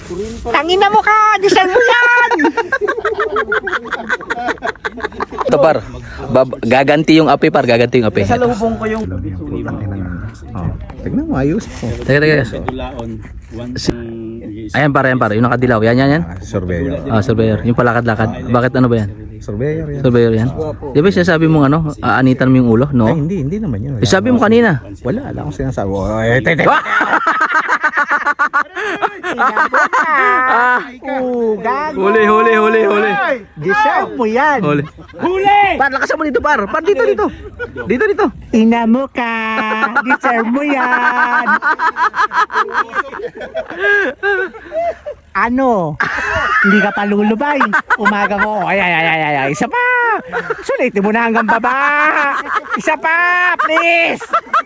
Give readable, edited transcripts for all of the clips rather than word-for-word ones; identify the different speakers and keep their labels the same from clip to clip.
Speaker 1: Tangina mo ka! Design mo yan!
Speaker 2: Ito par, gaganti yung api par, gaganti yung api.
Speaker 3: Salubong ko yung
Speaker 4: Tignan mo, ayos.
Speaker 2: Teka. Ayan par, yung nakadilaw. Yan.
Speaker 4: Surveyor.
Speaker 2: Surveyor. Yung palakad-lakad. Bakit ano ba yan?
Speaker 4: Surveyor yan.
Speaker 2: Surveyor yan. Di ba sinasabi mong ano, aanitan mo yung ulo? No?
Speaker 4: Ay, hindi naman yun.
Speaker 2: Sabi mo kanina.
Speaker 4: Wala akong sinasabi.
Speaker 1: Gago!
Speaker 2: Huli.
Speaker 1: Deserve mo yan!
Speaker 2: Huli! Par, lakasan mo dito par. Par, dito. Dito.
Speaker 1: Ina mo ka! Deserve mo yan! Ano? Hindi ka pa lulubay. Umaga mo. Ay. Isa pa! Sulitin mo na hanggang baba! Isa pa! Please!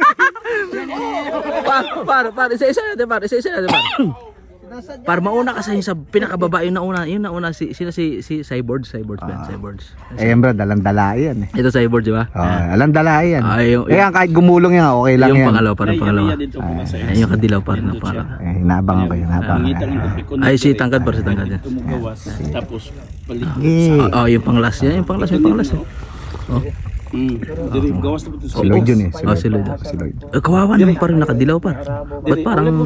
Speaker 2: Par, isa-isa natin par. Par, mauna ka sa pinakababa, yung nauna si Cyborgs ba? Cyborgs.
Speaker 4: Ayan bro, dalang-dala yan eh.
Speaker 2: Ito Cyborgs, di ba?
Speaker 4: Alang-dala yan. Kaya kahit gumulong yan, okay lang
Speaker 2: Yung
Speaker 4: yan.
Speaker 2: pangalawa. Ay, yung kadilaw par na para.
Speaker 4: Hinaabangan ko.
Speaker 2: Ay, si Tangkad par, si Tangkad yan.
Speaker 3: Tapos
Speaker 2: Yung panglas yan, yung panglas. Oh.
Speaker 3: gawas na po ito.
Speaker 4: Si Lloyd yun eh.
Speaker 2: Si Lloyd. Kawawa naman parang nakadilaw par. Ba't parang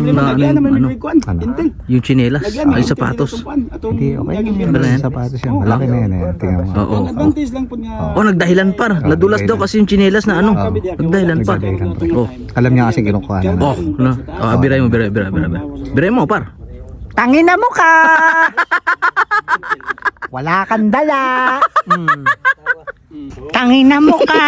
Speaker 2: yung tsinelas, ay sapatos.
Speaker 4: Hindi, okay lang yan. Sapatos yan. Malaki na yan eh. Tingnan mo.
Speaker 2: Oo.
Speaker 3: Advantage lang po niya.
Speaker 2: Nagdahilan par. Nadulas daw kasi yung tsinelas na ano. Nagdahilan par.
Speaker 4: Alam niya kasi kinukuha na.
Speaker 2: Biray mo. Biray mo par.
Speaker 1: Tangina mo ka! Wala kang dala! Tangina mo ka!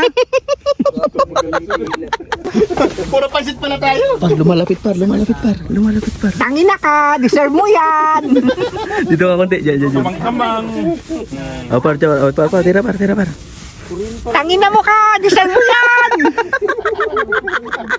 Speaker 3: Puro pansit pala tayo.
Speaker 2: Par, lumalapit par.
Speaker 1: Tangina ka! Deserve mo yan!
Speaker 2: Dito ka konti. Diyan.
Speaker 3: Kamang.
Speaker 2: Par, tira par.
Speaker 1: Tangina mo ka! Deserve mo yan!